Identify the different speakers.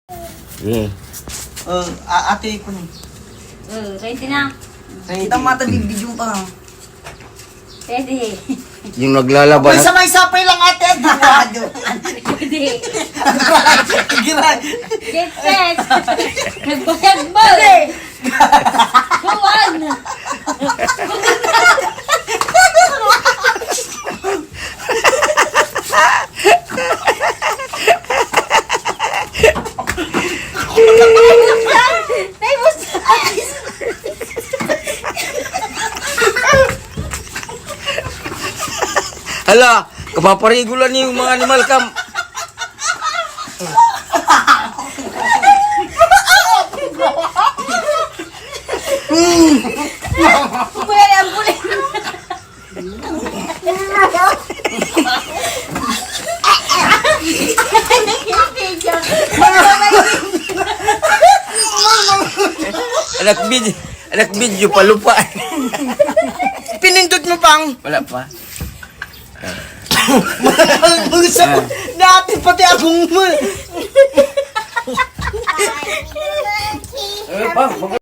Speaker 1: Yeah.
Speaker 2: Ate ko ni.
Speaker 3: Ready na.
Speaker 2: Kita mata bibidyo pa.
Speaker 3: Ready.
Speaker 1: Yung naglalaban.
Speaker 2: May samay-sapay lang ate.
Speaker 3: Ready.
Speaker 2: Giray.
Speaker 3: Get set. Nagbayag-bag. Buwan.
Speaker 1: Hala, kapaparigulan niyo yung mga animal cam.
Speaker 3: Pwede ang bulit.
Speaker 1: Anak video pa lupa.
Speaker 2: Pinindot mo pang.
Speaker 1: Wala pa.
Speaker 2: Dati pati akong